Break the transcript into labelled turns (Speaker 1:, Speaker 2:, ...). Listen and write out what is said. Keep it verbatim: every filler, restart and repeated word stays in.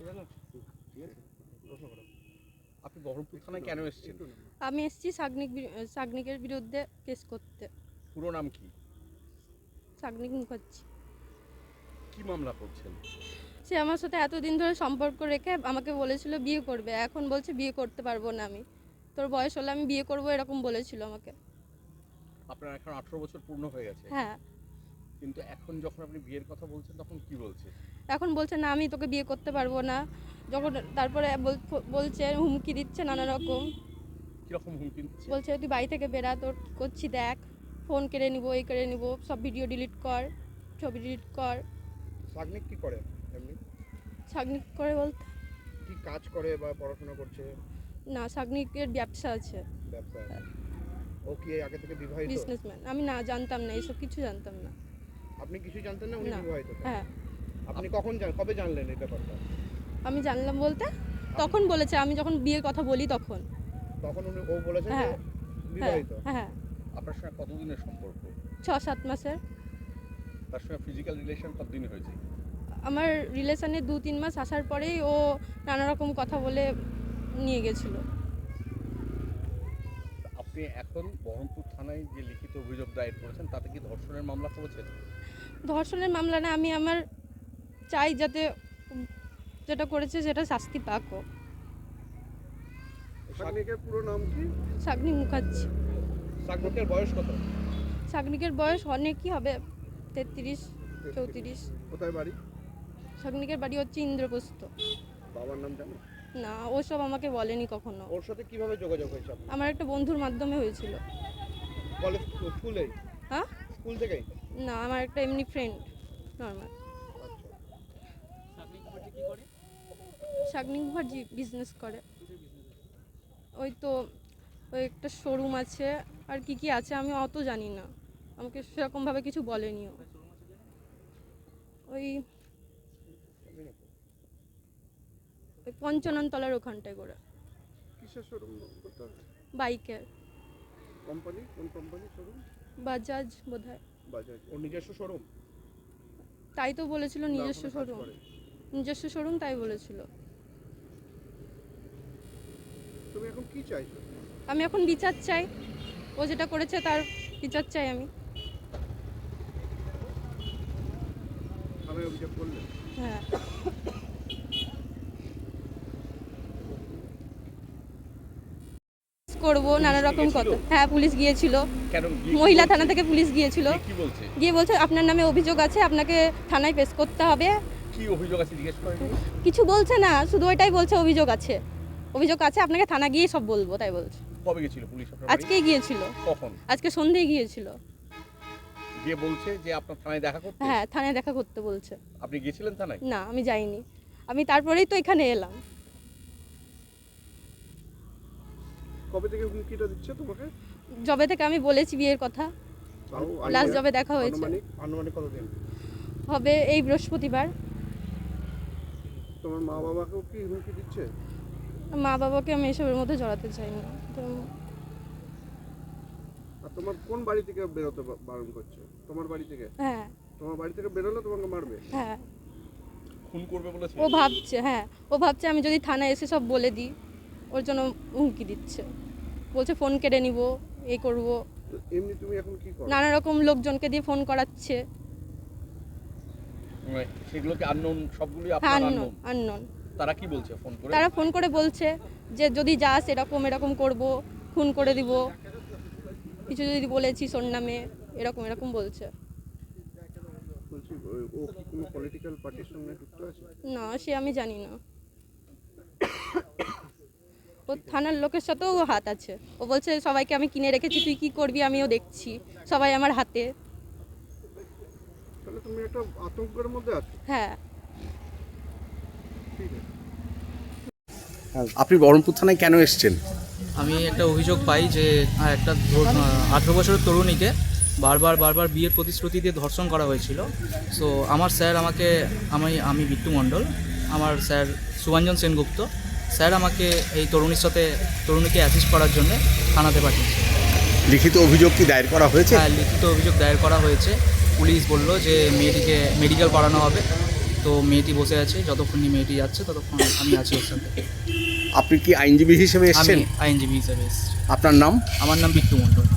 Speaker 1: আপনি বহরমপুর থানায় কেন এসেছেন?
Speaker 2: আমি এসেছি সাগনিক সাগনিকের বিরুদ্ধে কেস করতে।
Speaker 1: পুরো নাম কি?
Speaker 2: সাগনিক মুখার্জি।
Speaker 1: কি মামলা করছেন?
Speaker 2: সে আমার সাথে এতদিন ধরে সম্পর্ক রেখে আমাকে বলেছিল বিয়ে করবে, এখন বলছে বিয়ে করতে পারবো না, আমি তোর বয়স হলে আমি বিয়ে করবো এরকম বলেছিল আমাকে।
Speaker 1: আপনার এখন আঠারো বছর পূর্ণ হয়ে গেছে।
Speaker 2: হ্যাঁ,
Speaker 1: কিন্তু এখন যখন আপনি বিয়ের কথা বলছেন তখন কি বলছে?
Speaker 2: এখন বলছে না আমি তোকে বিয়ে করতে পারবো না। যখন তারপরে বলছে হুমকি দিচ্ছে নানা রকম।
Speaker 1: কিরকম হুমকি দিচ্ছে?
Speaker 2: বলছে তুই বাড়ি থেকে বেরা, তোর কি করছি দেখ, ফোন কেড়ে নিবো, এই কেড়ে নিবো, সব ভিডিও ডিলিট কর, ছবি ডিলিট কর।
Speaker 3: সাগনিক কি করে এমনি?
Speaker 2: সাগনিক করে বলতে
Speaker 3: কি কাজ করে বা পড়াশোনা করছে?
Speaker 2: না, সাগনিকের ব্যবসা আছে।
Speaker 3: ব্যবসা আছে। ও কি আগে থেকে বিবাহিত?
Speaker 2: বিজনেসম্যান। আমি না জানতাম না, এইসব কিছু জানতাম না।
Speaker 3: আপনি কিছু জানতেন না উনি
Speaker 2: না।
Speaker 3: বিবাহিত?
Speaker 2: হ্যাঁ।
Speaker 3: আপনি কখন জান কবে জানলেন এই ব্যাপারটা?
Speaker 2: আমি জানলাম বলতে তখন বলেছে, আমি যখন বিয়ের কথা বলি তখন।
Speaker 3: তখন উনি ও বলেছে যে
Speaker 2: হ্যাঁ
Speaker 3: বিবাহিত।
Speaker 2: হ্যাঁ।
Speaker 1: আপনার সঙ্গে কতদিনের সম্পর্ক?
Speaker 2: ছ সাত মাসের।
Speaker 1: তার সঙ্গে ফিজিক্যাল রিলেশন কতদিন হয়েছে?
Speaker 2: আমার রিলেশনে দু তিন মাস আসার পরেই ও নানা রকম কথা বলে নিয়ে গেছিলো।
Speaker 1: আপনি এখন বহরমপুর থানায় যে লিখিত অভিযোগ দায়ের করেছেন তাতে কি ধর্ষণের মামলা করেছেন?
Speaker 2: ধর্ষণের মামলা না, আমি আমার চাই যাতে যেটা করেছে সেটা শাস্তি পাক।
Speaker 3: সাগনিকের পুরো নাম কি?
Speaker 2: সাগনিক মুখার্জি।
Speaker 3: সাগনিকের বয়স কত?
Speaker 2: সাগনিকের বয়স অনেকই হবে, তেত্রিশ চৌত্রিশ।
Speaker 3: কোথায় বাড়ি?
Speaker 2: সাগনিকের বাড়ি হচ্ছে ইন্দ্রপ্রস্থ।
Speaker 3: বাবার নাম জানো?
Speaker 2: না, ওসব আমাকে বলেনি কখনো।
Speaker 3: ওর সাথে কিভাবে যোগাযোগ হয়েছে আপনার?
Speaker 2: আমার একটা বন্ধুর মাধ্যমে হয়েছিল।
Speaker 3: কলেজ স্কুলে?
Speaker 2: হ্যাঁ,
Speaker 3: স্কুল থেকেই?
Speaker 2: না, আমার একটা এমনি ফ্রেন্ড নর্মাল।
Speaker 3: আচ্ছা।
Speaker 2: সাগনিক মুখার্জি বিজনেস করে। ওই তো ওই একটা শোরুম আছে, আর কি কি আছে আমি অত জানি না, আমাকে সেরকমভাবে কিছু বলেনিও। ওই ওই পঞ্চানন তলার ওখানটায় করে।
Speaker 3: কিসের শোরুম করতে?
Speaker 2: বাইকের।
Speaker 3: কোম্পানি? কোন কোম্পানি শোরুম?
Speaker 2: বাজাজ বোধহয়।
Speaker 3: বাজাজ। ওর নিজস্ব শোরুম?
Speaker 2: তাই তো বলেছিল নিজস্ব শোরুম, নিজস্ব শোরুম তাই বলেছিল।
Speaker 3: তুমি এখন কি চাইছো?
Speaker 2: আমি এখন বিচার চাই, ও যেটা করেছে তার বিচার চাই আমি।
Speaker 3: আমি অভিযোগ করলে?
Speaker 2: হ্যাঁ। করবো নানা রকম কথা। হ্যাঁ, পুলিশ গিয়েছিল, মহিলা থানা থেকে পুলিশ গিয়েছিল।
Speaker 1: কি বলছে?
Speaker 2: গিয়ে বলছে আপনার নামে অভিযোগ আছে, আপনাকে থানায় পেশ করতে হবে।
Speaker 1: কি অভিযোগ আছে জিজ্ঞেস করেন?
Speaker 2: কিছু বলছে না, শুধু ওইটাই বলছে অভিযোগ আছে, অভিযোগ আছে, আপনাকে থানা গিয়ে সব বলবো, তাই বলছে।
Speaker 1: কবে গিয়েছিল পুলিশ আপনার বাড়ি?
Speaker 2: আজকেই গিয়েছিল।
Speaker 1: কখন?
Speaker 2: আজকে সন্ধ্যায় গিয়েছিল।
Speaker 1: গিয়ে বলছে যে আপনার থানায় দেখা করতে?
Speaker 2: হ্যাঁ, থানায় দেখা করতে বলছে।
Speaker 1: আপনি গিয়েছিলেন থানায়?
Speaker 2: না, আমি যাইনি, আমি তারপরেই তো এখানে এলাম।
Speaker 3: কবে থেকে হুমকিটা দিচ্ছে তোমাকে?
Speaker 2: যবে থেকে আমি বলেছি বিয়ের কথা, লাস্ট যবে দেখা হয়েছে।
Speaker 3: আনুমানিক আনুমানিক কতদিন
Speaker 2: হবে? এই বৃহস্পতিবার।
Speaker 3: তোমার মা বাবাকেও কি হুমকি দিচ্ছে?
Speaker 2: মা বাবাকে আমি এসবের মধ্যে জড়াতে চাই না। তো
Speaker 3: আর তোমার কোন বাড়ি থেকে বেরোতে বারণ করছে? তোমার বাড়ি থেকে?
Speaker 2: হ্যাঁ।
Speaker 3: তোমার বাড়ি থেকে বেরোলে তোমাকে মারবে?
Speaker 2: হ্যাঁ,
Speaker 1: খুন করবে বলেছে?
Speaker 2: ও ভাবছে, হ্যাঁ ও ভাবছে আমি যদি থানায় এসে সব বলে দিই, ওর জন্য হুমকি দিচ্ছে, বলছে ফোন কেড়ে নিব, এই করব।
Speaker 3: এমনি তুমি এখন কি করো?
Speaker 2: নানা রকম লোকজনকে দিয়ে ফোন করাচ্ছে।
Speaker 1: সেগুলো কি আননোন? সবগুলোই
Speaker 2: হ্যাঁ,
Speaker 1: আপনার
Speaker 2: আননোন। আননোন।
Speaker 1: তারা কি বলছে ফোন করে?
Speaker 2: তারা ফোন করে বলছে যে যদি যাস এরকম এরকম করব, খুন করে দিব, কিছু যদি বলেছিস ওর নামে, এরকম এরকম বলছে।
Speaker 3: বলছি ও কি কোনো পলিটিক্যাল পার্টির সঙ্গে যুক্ত আছে?
Speaker 2: না, সে আমি জানি না। ও থানার লোকের সাথেও হাত আছে। ও বলছে সবাইকে আমি কিনে রেখেছি, তুই কি করবি আমিও দেখছি, সবাই আমার হাতে।
Speaker 3: তাহলে তুমি একটা আতঙ্কের মধ্যে আছো।
Speaker 2: হ্যাঁ।
Speaker 3: ঠিক আছে।
Speaker 1: আপনি বহরমপুর থানায় কেন এসেছেন?
Speaker 4: আমি একটা অভিযোগ পাই যে একটা আঠেরো বছরের তরুণীকে বারবার বারবার বিয়ের প্রতিশ্রুতি দিয়ে ধর্ষণ করা হয়েছিল। সো আমার স্যার আমাকে, আমি আমি বিট্টু মণ্ডল, আমার স্যার সুভাঞ্জন সেনগুপ্ত স্যার আমাকে এই তরুণীর সাথে তরুণীকে অ্যাসিস্ট করার জন্য থানাতে পাঠিয়েছে।
Speaker 1: লিখিত অভিযোগ কি দায়ের করা হয়েছে?
Speaker 4: হ্যাঁ, লিখিত অভিযোগ দায়ের করা হয়েছে। পুলিশ বলল যে মেয়েটিকে মেডিকেল করানো হবে, তো মেয়েটি বসে আছে, যতক্ষণ না মেয়েটি যাচ্ছে ততক্ষণ আমি আছি ওর সাথে।
Speaker 5: আপনি কি আইনজীবী হিসেবে
Speaker 4: আমি
Speaker 5: এসেছেন?
Speaker 4: আইনজীবী হিসেবে এসেছি।
Speaker 5: আপনার নাম?
Speaker 4: আমার নাম বিট্টু মণ্ডল।